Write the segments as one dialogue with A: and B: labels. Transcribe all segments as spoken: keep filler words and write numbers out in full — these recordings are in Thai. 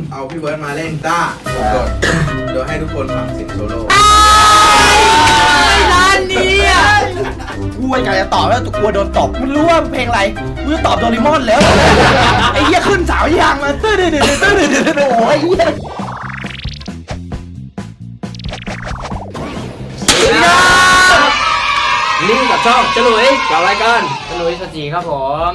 A: เอาพี่เบิร์ดมาเล่นกีตาร์สดโดยให้ทุกคนฟังเสียงโซโล่
B: ร้านนี้อ่ะกูอยากจะตอบแล้วกลัวโดนตบมึงรู้ว่าเพลงอะไรกูจะตอบโดเรมอนแล้วไอ้เหี้ยขึ้นสาวยางมาตื้อดื้อดื้อตื้อดื้อดื้อโอ้ยเหี้ย
C: นี่กับช่องฉลุยกับรายการฉลุยสจีครับผม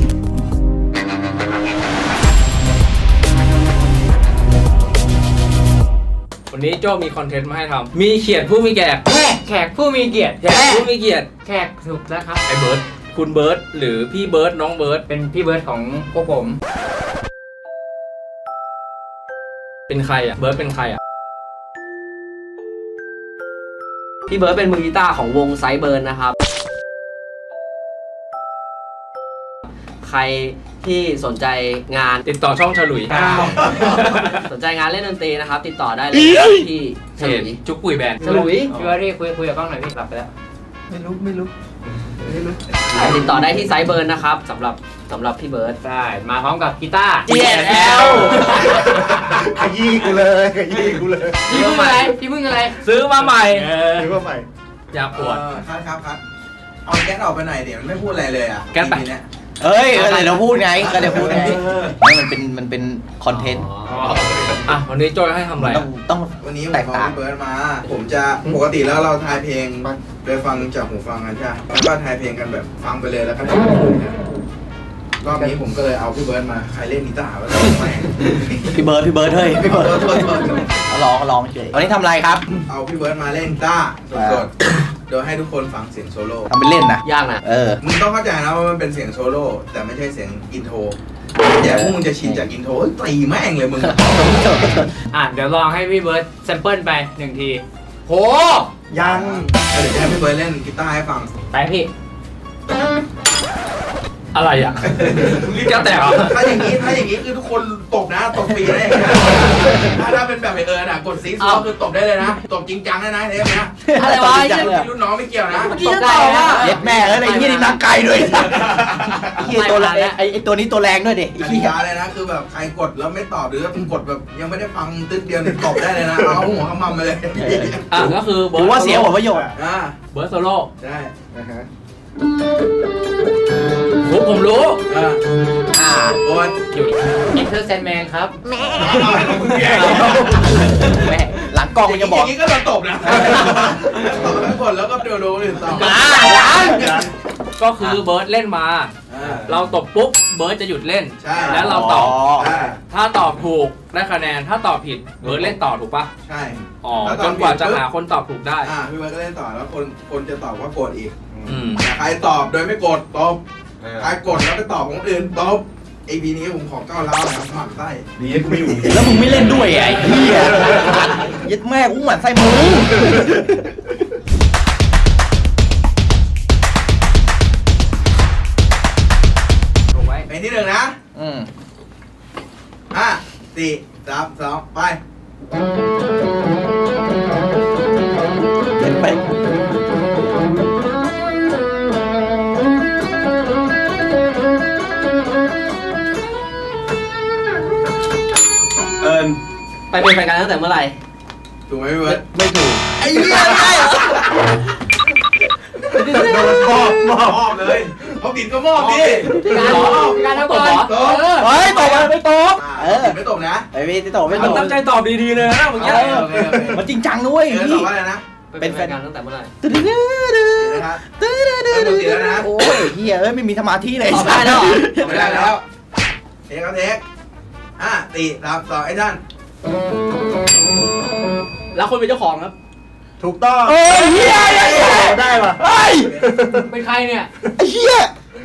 C: วันนี้โจ้มีคอนเทนต์มาให้ทำมีเขียดผู้มีแขกแขกแขกผู้มีเกียรติแขกผู้มีเกียรติแขกถูกแล้วครับไอ้เบิร์ดคุณเบิร์ดหรือพี่เบิร์ดน้องเบิร์ดเป็นพี่เบิร์ดของพวกผมเป็นใครอ่ะเบิร์ดเป็นใครอ่ะ
D: พี่เบิร์ดเป็นมือกีตาร์ของวงไซเบิร์นนะครับใครที่สนใจงาน
C: ติดต่อช่องฉลุย
D: สนใจงานเล่นดนตรีนะครับติดต่อได้เลยที่ฉลุย
C: จุกปุ๋ยแบนด์
D: ฉลุย
C: พี่ว่าที่คุยคุยกับกล้องหน่อยพี่หลับไปแล้ว
B: ไม่รู้ไม่รู้ไม่รู้
D: ติดต่อได้ที่ไซเบิร์นนะครับสำหรับสำหรับพี่เบิร์ด
C: ได้มาพร้อมกับกีตาร์
B: จี เอส แอล ขยี้กูเลยขยี้กูเลย
C: พี่มึงอะไรพี่มึงอะไรซื้อมาใหม่
B: ซื้อมาใหม่
C: อย่าปวด
A: ครับครับครับเอาแก๊สออกไปหน่อยเดี๋ยวมันไม่พูดอะไรเลยอ่ะ
C: แก๊สไป
A: ทีเนี้ย
B: เอ้ยก็เดี๋ยวเราพูดไงก็เดี๋ยวพูดไงมันเป็นมันเป็นคอนเทนต์
C: อ่ะวันนี้โจ้ให้ทำอะไร
B: ต้องต้อง
A: วันนี้ผม
B: แตก
A: เอา
B: ต่าง
A: พี่เบิร์ดมา ผมจะปกติแล้วเราทายเพลงโดยฟังจากหูฟังกันใช่ไหมแล้วก็ทายเพลงกันแบบฟังไปเลยแล้วก็ทายรอบนี้ผมก็เลยเอาพี่เบิร์ดมาใครเล่นกีตาร์วะไม่
B: พี่เบิร์ดพี่เบิร์ดเฮ้ยพี่เบิร์ดลองลองเฉยวันนี้ทำอะไรครับ
A: เอาพี่เบิร์ดมาเล่นกีตาร์สดๆโดยให้ทุกคนฟังเสียงโซโล่
B: ทำเป็นเล่นนะ
D: ยากนะ
B: เออ
A: มึงต้องเข้าใจนะว่ามันเป็นเสียงโซโล่แต่ไม่ใช่เสียงอินโทรแต่พวกมึงจะชินจากอินโทรตีแม่งเลยมึง
C: อ่ะเดี๋ยวลองให้พี่เบิร์ดแซมเปิลไปหนึ่งทีโห
B: ยัง
A: เดี๋ยวจะให้พี่เบิร์ดเล่นกีตาร์ให้ฟัง
C: ไปพี่อะไรอ่ะแก้วแตกเหรอ
A: ถ้าอย่างนี้ถ้าอย่างนี้คือทุกคนตบนะตบฟรีนะถ้าถ้าเป็นแบบไอเอิร์นอ่ะกดซีซัวคือตบได้เลยนะตบจริงจังเลยนะเทปเนี้ย
B: อะไรวะ
A: รุ่นน้องไม่เกี่ยวนะ
B: ตบได้นะเย็ดแม่เอ้ยไอ้ยี่นี่นักไกลด้วยไอ้ยี่ตัวแรงไอ้ไอ้ตัวนี้ตัวแรงด้วยดิไอ้
A: กติ
B: ยี่
A: กาเลยนะคือแบบใครกดแล้วไม่ตอบหรือกดแบบยังไม่ได้ฟังตึ๊ดเดียวเนี่ยตบได้เลยนะเอาหัวขมำไปเลย
C: อ่ะก็คือเบิ
B: ถื
C: ร์
B: อ
C: ด
B: ว่าเสียหัวประโยชน์
A: อ่า
C: เบิร์ดโซโล่
A: ใช่
C: ผมผมรู้
A: อ่า
B: อ่า
A: โอน
C: หยุดอินเตอร์แซนแมนครับ
B: แม่หลังกล้องมันจะบอก
A: อย่างนี้ก็โดนตบนะตบแล้วกดแล้วก็เดี๋ยวโดนอื่นต่อ
C: ก็คือเบิร์ดเล่นมา เราตบปุ๊บเบิร์ดจะหยุดเล่น
A: ใช่
C: แล้วเราตอบ
A: ใช่
C: ถ้าตอบถูกได้คะแนนถ้าตอบผิดเบิร์ดเล่นต่อถูกปะ
A: ใช่
C: อ๋อจนกว่าจะหาคนตอบถูกได้
A: อ่าพี่เบิร์ดก็เล่นต่อแล้วคนคนจะตอบว่ากดอีก
C: อืม
A: ใครตอบโดยไม่กดตบใครกดแล้วไปตอบของอื่นตบไอพีนี้ผมขอก้าวเล้านะครับหมั่นไส้
E: ดีกูไม่อยู่
B: แล้วมึงไม่เล่นด้วยไอ้เหี้ยยัดแม่กูหมั่นไส้มึง
C: ถูกไว้
A: เพลงที่หนึ่งนะ
B: อืม
A: ห้าสี่สามสองไป
B: เล่นไป
E: เอิญ
D: ไปเป็นแฟนกันตั้งแต่เมื่อไหร่
A: ถูกไหมพี่เบิร์ด
B: ไม่ถูก
A: ไอ้เหี้ยไง
E: โดนมอบมอบ
A: มอบเลยเขาผิดก็มอบดิ
C: พี่การพี่การทำก่อน
A: ตบ
B: เฮ้ยตบมันไม่ตบ
A: เออไม่ตบนะ
B: ไอ้พี่ตบไม่ต
C: มัน
B: บ
C: ตั้งใจตอบดีๆเลยนะเมื่อกี้
B: เออมันจริงจังด้วย
A: เออต
B: พี่
A: อบว่าอะไรนะ
D: เป็นแฟนกันตั้งแต่เมื่อไหร่
B: ตื้อดื้อดื้อ
A: นะครับ
B: ตื้อดื้อดื้อ
A: เออหมดเสียแล้วนะ
B: โอ้ยเฮียเอ้ยไม่มีสมาธิเลย
D: ตอบได้แล้วเหรอ
A: ไม่ได้แล้วเทคครับเทคห้าสี่สามสองไอ้ท่าน
C: แล้วคนเป็นเจ้าของครับ
E: ถูกต้อง
B: เอ้ยเฮียเฮีย
E: ได้ป่ะ
B: เฮ้ย
C: เป็นใครเนี่ย
B: ไอ้เฮีย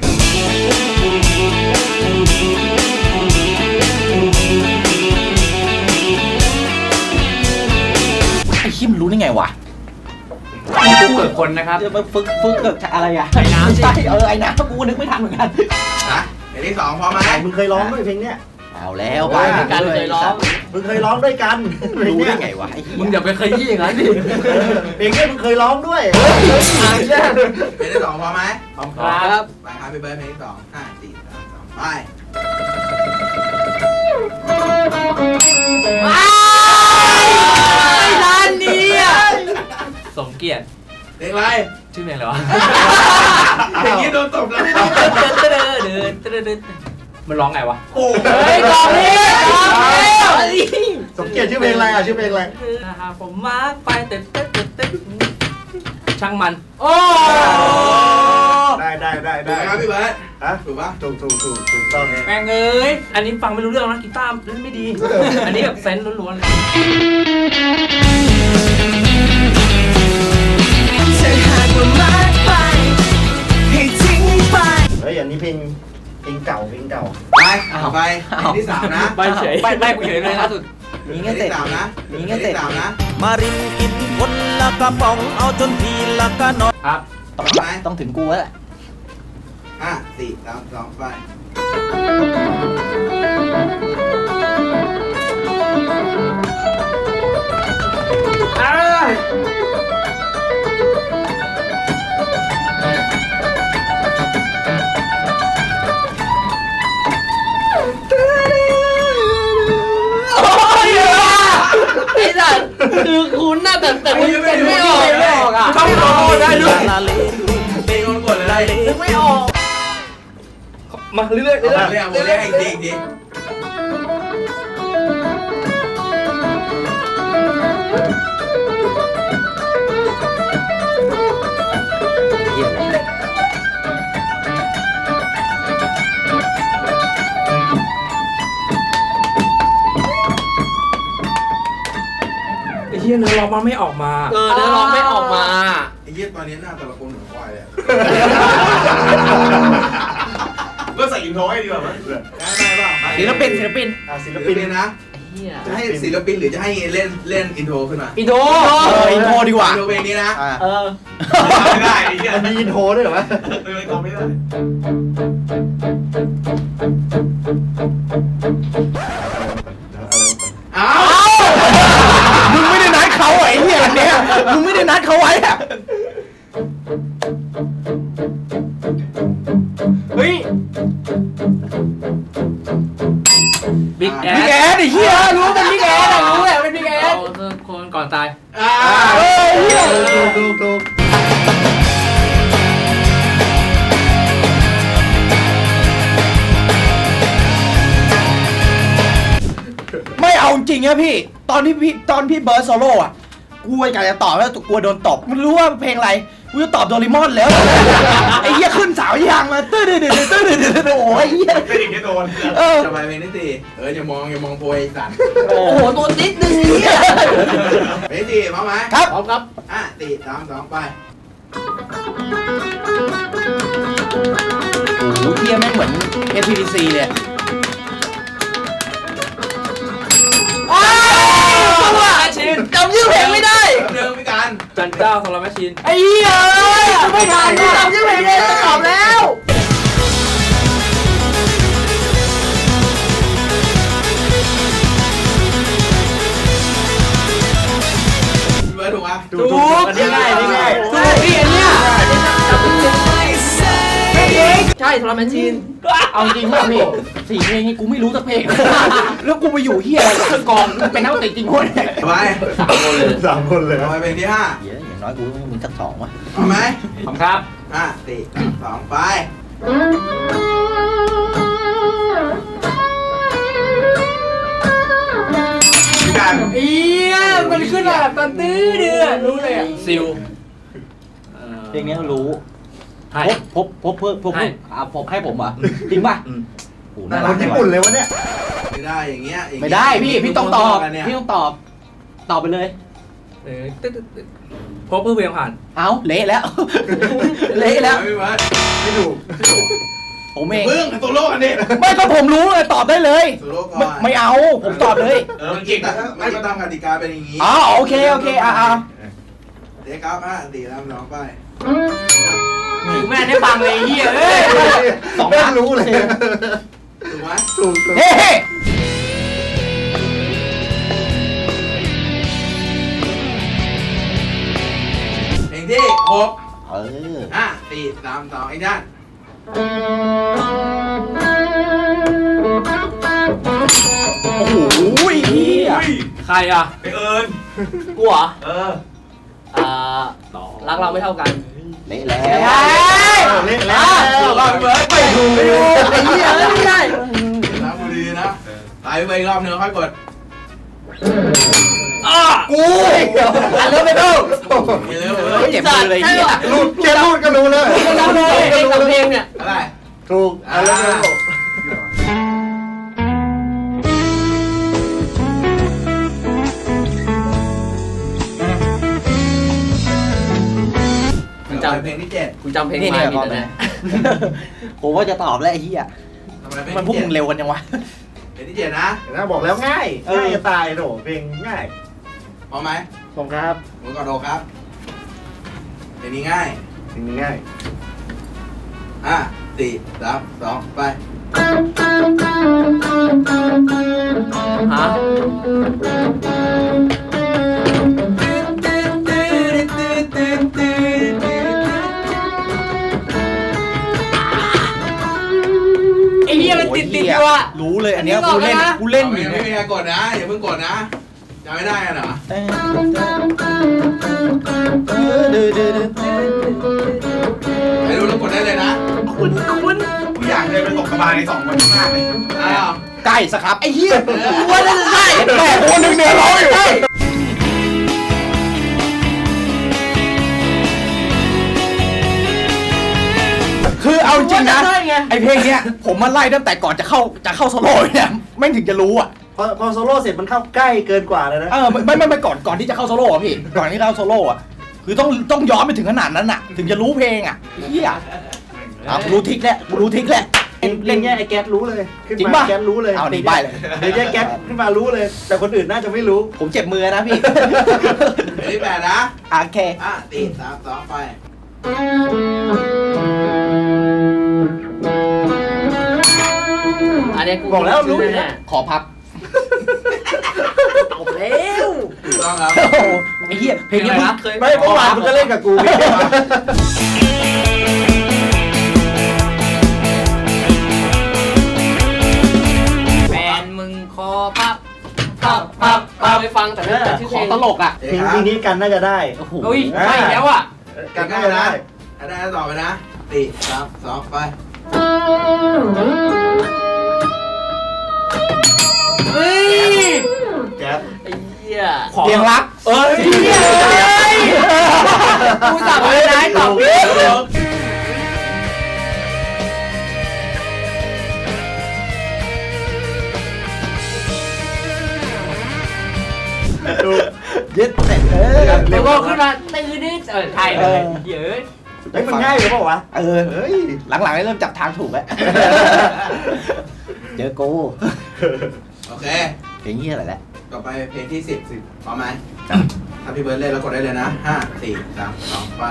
B: ไอ้เฮียมันรู้ได้ไงวะ
C: ผู้เกิดคนนะครับ
B: จะมาฝึกฝึกกับอะไรอะ
C: ไอ้น้ำสิ
B: ใช่เออไอ้น้ำกูนึกไม่ทันเหมือนกัน
A: นะเพลงที่สองพร้อมไหม
E: มึงเคยร้องด้วยเพลงเนี้ย
B: เอาแล้วไป
D: เป็นการเคยร้อง
E: มึงเคยร้องด้วยกันเพลง
B: รู้
E: เนี้
B: ได้
E: ย
B: ไงวะไอ้เหี้
C: มึง
B: ย
C: อย่าไปขยี้อย่างนั้นดิ
E: เพลงเนี้ยมึงเคยร้องด้วย
A: เพลงที่สองพร้อมไหม
C: ครับ
A: ไปครับพี่เบิร์ดเพลงที่สองห้าสี่สามสองไป
C: เกลียด
A: เพลงอะไร
C: ชื่อเพลงอะไรวะ
A: อย่างนี้โดนตบแล้ว
C: มันร้องไงวะ
A: โอ้
C: เฮ้ยกองนี้กองนี้
E: สมเกียรติชื่อเพลงอะไรอ่ะชื่อเพลงอะไร
C: หากผมมาร์คไปเต้นเต้นเต้นเต้นช่างมันโอ้
E: ได้ได้ได้
A: ถูก
E: ได้
A: ไหมครับพี่เบิร์ด
E: ฮะ
A: ถูกปะ
E: ถูกถูกถูกถูกต้องเนี่ย
C: แม่งเอ้ยอันนี้ฟังไม่รู้เรื่องนะกีตาร์เล่นไม่ดี อันนี้แบบเซนส์ล้วนๆเลย
E: เฮ้ยอันนี้เพลงเพลงเก่าเพลงเก่า
A: ไปไปเพลงที่สามนะ
C: ใบเฉยใบใบกูเฉยเลยล่าสุด
B: มี
A: เพล
B: เงี้
A: ง
B: ยเสร็จ
A: ที่สามนะ
B: มีเงี้ยเสร็จ
A: พลงที่สามนะ
F: มารินกินคนละกระป๋องเอาจนทีละกระนอน
C: ครับ
B: ต้องต้องถึงกูแล้วแหละ
A: ห้าสี่สามสองไป
D: ไอ้สัตว์คือคุ้นน่ะแต่แต่
A: ไอ้
D: นึ
A: เหี้ย
D: ก
A: ไม่
D: ไม่
A: รู้
D: ออกไม่ออกอ่ะ
C: เข้าโรได้ด้วย
F: ลาเล
A: เพลงมันกดเลย
D: นึกไม่ออก
C: มาเรื่อยๆเรื่อย
A: เรียกผมเรียกอีกทีอีกที
C: ๆไอ้เหี้ยเนื้อร้องมันไม่ออกมา
D: เออเนื้อร้องไม่ออกมา
A: ไอ้เหี้ยตอนนี้หน้าแต่ละคนเหมือนควายเลยก็ใส่อินโทรให้ดีกว่ามั้ยได้ไหมเปล่า
B: ศิลปินศิลปิน
E: อ่ะศิล
A: ศิล
E: ปิ
A: ปิ
E: น
A: นนะ
D: เฮีย
A: จะให้ศิลปินหรือจะให้เล่นเล่นอินโทรขึ้นมา
C: อีโด
B: เอออินโทรดีกว่า
A: อินโทรเพลงนี้นะ
B: อ่า
D: เออ
A: ไม่ได้ไอ้เหี้ย
E: มันมีอินโทรด้วยเหรอวะ
A: เป็นอะไรก็ไม่ได้ อ้าว
B: มึงไม่ได้นัดเขาไอ้เหี้ยอันเนี้ยมึงไม่ได้นัดเขาไว้อะ
C: เฮ้ยบิ๊กแอ
B: พี่แอ
C: ด
B: ดไอ้เหี้ยรู้ว่าเป็นพี่แอดอะรู้แหละเป็นพี่แอ
C: เอา
B: ด
C: คนก่อนตาย
A: อ่า
B: เออเหี้ย
E: ถูกถูกถูก
B: ไม่เอาจริงอะพี่ ตอนที่พี่ตอนพี่เบิร์ดโซโล่อะกูไอ้กายจะตอบแล้วกลัวโดนตบมันรู้ว่าเพลงอะไรกูจะตอบโดเรมอนแล้วไอ้เหี้ยขึ้นเสาอยางมาตื้อดื้อดื้อตื้อดื้อดื้อโอ้ยเหี้ย
A: เป็นอย่างนี้โดน
B: เออ
A: จะไปเพลงที่สี่เอออย่ามองอย่ามองโพยสัตว์
B: โอ้โหตัวนิดนึงเนี่ย
A: เพลงที่สี่มาไหม
B: ครับ
D: พร้อมครับ
A: อ่ะสี่สามสองไป
B: โอ้โหเหี้ยแม่งเหมือน เอส พี ดี ซี เลย
C: ชิน
B: จำชื่อเพลงไม่ได้
A: เดิมพี่การ
C: จันเจ้าสำหรับแมชชีน
B: ไอ้เหี้ยไม่ทันจำชื่อเพลงไม่ได้ตอบแล้ว
A: พี่เบิร์ดถูกปะ
E: ถูกถูกอันนี้ง่ายอันนี้ง่าย
C: ถูกพี่อันเนี้ย
D: ใช่โทรแมชชีน
B: เอาจริงป่ะพี่สี่เพลงนี้กูไม่รู้สักเพลง แล้วกูไปอยู่เหี้ยอะไรกับกองกูเป็นนักดนตรีจริงคนเนี่ย
A: ไป
D: สามคนเลย
E: สามคนเลย
A: เอาไปเพลงที่ห้า
B: เหี้ยอย่างน้อยกูต้องมีสักสองว่ะ
A: เอาไหม
C: ผมครับ
A: ห้าสี่สองไปพี่การ
C: เอียมันขึ้นมาแบบตอนตื้อเดือรู้เลยอ่ะซิล
B: เพลงนี้รู้
C: ให้
B: พบพบพบเพิ่มพบ
C: ให้
B: อ่ะผมให้ผมเหรอ่ะจริงป่ะ
C: อืม
B: โอ้โห
E: น่า
B: น่า
E: รั
B: รั
E: ก
B: ก
E: ญี่
B: จัง
E: ปุ่น
B: วะ
E: เลยวะเนี่ย
A: ไม่ได้อย่างเงี้ยอย่างเงี้ย
B: ไม่ได้พี่พี่ต้องตอบ
A: กันเนี่ย
B: พี่ต้องตอบ ตอบไปเลย
C: เออตึ๊ดตึ๊ดตึ๊ดพบเพื่อเพลงผ่าน
B: เอาเละแล้ว เละแล้ว
A: พี่เบิร์ด
E: ไม่ถูก
B: ผมเอง
A: เพิ่งโซโล่กันดิ
B: ไม่ก็ผมรู้เลยตอบได้เลย
A: โซโล่ก่อ
B: ไม่
A: น
B: ไม่เอาผมตอบเลย
A: เออมันเก่งนะไม่ตามกติกาเป็นอย่างงี้
B: อ๋อโอเคโอเคอ่ะอ่ะ
A: เด็กครับห้าสี่สามสองไป
C: แม่ได้ฟังเลยเฮียเอ้ย
E: สองแม่งรู้เลย
A: ถูกไหม
E: ถูกถูก
B: เฮ้
A: เพลงที่หก
B: เออ
A: ห้าสี่สามสองไอ้ด้าน
B: โอ้โหเหี้ย
C: ใครอ่ะ
A: ไปเอิญ
C: กูเหรอ
A: เออ
D: อ่ารักเราไม่เท่ากัน
B: เละแล้ว
E: เละแล้ว
A: รอบเบิร์ด
B: ไม่ถูกไม่ถูกไอ้เหี้ยไม่ได้
A: นะดูดีๆนะตายไปอีกรอบนึงค่อยกด
B: กูอันเลิฟไม่ถูก
A: ไปเร็วเลย
B: เจ็บมือเลยเหี้ย
E: รูดแค่รูดก็รู้เลย
D: เราเลยเพลงกับเพลงเนี่ย
A: อะไร
E: ถูกอ่ะแล้วแล้ว
A: คุณจำเพลงที่เจ็ด
D: คุณจำเพลง
B: นี่
D: มา
B: เนี่ย
D: ผิ
B: ต
D: ด
B: อน
D: แน่
B: นี้ผมว่าจะตอบแล้วไอ้เหี้ย
A: ทำไมเพลง
B: มันพวก
A: ที่
B: มึ
A: เจ็ด
B: งเร็วกันยังวะ
A: เพลงที่เจ็ดนะ
E: นะบอกแล้วง่ายง่ายจะตายโหเพลงง่าย
A: พร้อมไหม
E: ผมครับ
A: มือก่อนโดครับเพลงนี้ง่าย
E: สิ่งนี้ง่าย
A: อ่ะสี่สามสองไป
D: ฮะไอ้เหี้ยมันติดติดอยู่อะ
B: รู้เลยอันเนี้ย
D: อันนี้
B: กูเล่น
D: บอกแล้วนะ
B: กูเล่นอยู่
A: ไม่
B: เนี่ย
A: มีใครกดนะอย่าเพิ่งกดนะจำไม่ได้กันเหรอใครรู้แล้วกดได้เลยนะ
B: คุณคุณ
A: กูอยากเดินไปตกกระบาลในสองคนข้างหน้าเลยอ้าว
B: ใกล้สครับไอ้เหี้ยกูว่าน่าจะใช่แต่คนหนึ่งเนี่ยร้องอยู่คือเอาจริงนะ
D: ใช่ไง
B: ไอเพลงเนี้ยผมมาไล่ตั้งแต่ก่อนจะเข้าจะเข้าโซโล่เนี่ยไม่งถึงจะรู้อ่ะ
E: พอพอโซโล่เสร็จมันเข้าใกล้เกินกว่าเลยนะ
B: เออไม่ไม่ไม่ไม่ก่อนก่อนที่จะเข้าโซโล่อะพี่ก่อนที่เข้าโซโล่อะคือต้องต้องย้อนไปถึงขนาดนั้นอ่ะ ถึงจะรู้เพลงอ่ะเฮียอ่ะกูรู้ทิกแล้วกูรู้ทิกแล้ว
E: เล่นแง่ไอ้แก๊สรู้เลยขึ้น
B: จริง
E: มา
B: ป่ะ
E: แก๊สรู้เลย
B: เอาดีไปเลย
E: เดี๋ยวแยกแก๊สขึ้นมารู้เลย แต่คนอื่นน่าจะไม่รู้
B: ผมเจ็บมือนะพี่
A: เพลงที่แปดนะ
B: โอเค
A: อ่ะสี่สามสองไป
D: อันนี้กู
E: บอกแล้วรู้
D: แน่
B: ขอพับ
D: ผมแล้ว
A: ถูกต้องครับ
B: โอ้โหไอ้เหี้ยเพลงนี้มึง
D: เคย
E: ไม่เมื่อวานมันก็เล่นกับกูพี่
D: แฟนมึงคอพับพับพับพับไปฟังแต่ไม่รู้จักชื่อ
B: ข
D: เพล
B: อง ตลกอ่ะ
E: เพลงเพลงนี้กันน่าจะได้
B: โอ้โห
D: เฮ้ยใช่แล้วอ่ะ
E: กันน่าจะได้
A: ถ้าได้ต่อไปนะสี่สามสองไป
D: เฮ้ย
E: แก๊ส
D: ไอ้เหี้ย
B: เพียงรัก
D: เอ้ยกูสั่งเลยนะตอบผิด
B: เย็ดเสร็จเออ
D: แล้วก็ขึ้นมาตื่นนิดเออไทยเลยเยอะ
E: เฮ้ยมันง่ายหรือเปล่าวะ
B: เออ
E: เฮ้ย
B: หลังๆได้เริ่มจับทางถูกแล้ว เจอกู
A: โอเค
B: เพลงเหี้ยอะไรแหละ
A: ต่อไปเพลงที่สิบสิบพร้อมไหมถ้าพี่เบิร์ดเล่นแล้วกดได้เลยนะห้าสี่สามสองไป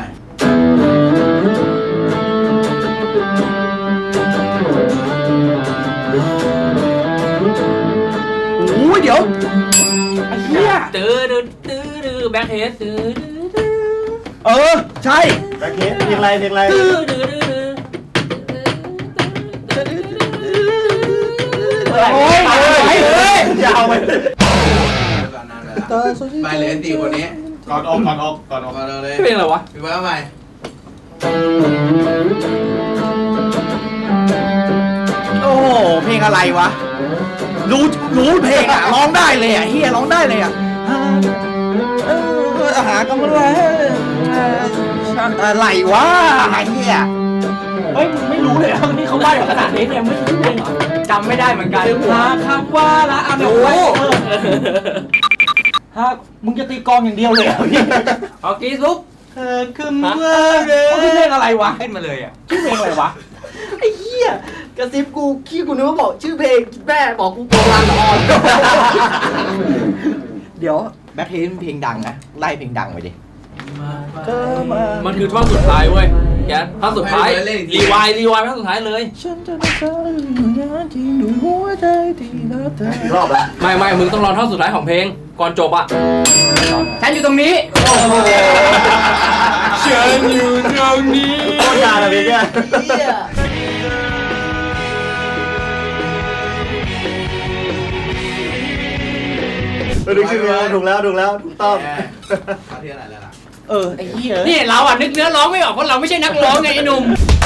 B: โอ้ยเดี๋ยวไอ้เหี้ย
D: ตื้อตื้อตื้อตื้อแบ็คเฮดตื้อตื้อตื้อ
B: เออ ใช่
E: แบ็คเฮดเพลงอะไรเพลงอะไร
D: ตื้อตื้อตื้อตื้อ
B: โอ้ยไปเลย
E: ยาวไป
A: ก่อนนานไปแล้วไปเลยสี่คนนี้
E: ก่อนออกก่อนออกก่อนออก
A: ก่อนเลย
C: เพลงอะไรวะ
A: พี่เบิร์ดเอาใหม่
B: โอ้โหเพลงอะไรวะ รู้รู้เพลงอ่ะร้องได้เลยอ่ะเฮียร้องได้เลยอ่ะเออหากำลังอะไรวะไอ้เฮียเฮ้ยมึงไม่รู้เลยอ่ะนี่เขาใบ้ขนาดนี้เนี่ยไม่รู้เพลงเหรอ
D: จำไม่ได้เหมือนกัน
B: หาคำว่าละเอาเดี๋ยวไว้ฮะมึงจะตีกลองอย่างเดียวเลยเหรอพี่
D: เอากีซุป
B: เธอขึ้นมาเลยเขาขึ้นเพลงอะไรวะ
D: ขึ้นมาเลยอ่ะ
B: ชื่อเพลงอะไรวะ
D: ไอ้เหี้ยกระซิบกูขี้กูนึกว่าบอกชื่อเพลงแม่บอกกูโบราณละอ่อน
B: เดี๋ยวแบ็คเฮดเพลงดังนะไล่เพลงดังไปดิ
C: มันคือท่อนสุดท้ายเว้ยแกท่อนสุดท้ายรีวายรีวายท่อนสุดท้ายเลย
B: ฉันจะรักเธออยู่นานที่ด้วยหัวใจที่รักเธอ
E: รอบละ
C: ไม่ไม่มึงต้องรอท่อนสุดท้ายของเพลงก่อนจบอ่ะ
D: ฉันอยู่ตรงนี้
C: ฉันอยู่ตรงนี้
E: โคตรยาวเลยเนี่ย
D: เหี้ย
E: เออดูชื่อเพลงถูกแล้วถูกแล้วถูกต้อง
A: ข้อที่อะไรแล้วล่ะ
B: เออไอ้เหี้ย
D: นี่เราอ่ะนึกเนื้อร้องไม่ออกเพราะเราไม่ใช่นักร้องไงไอ้หนุ่ม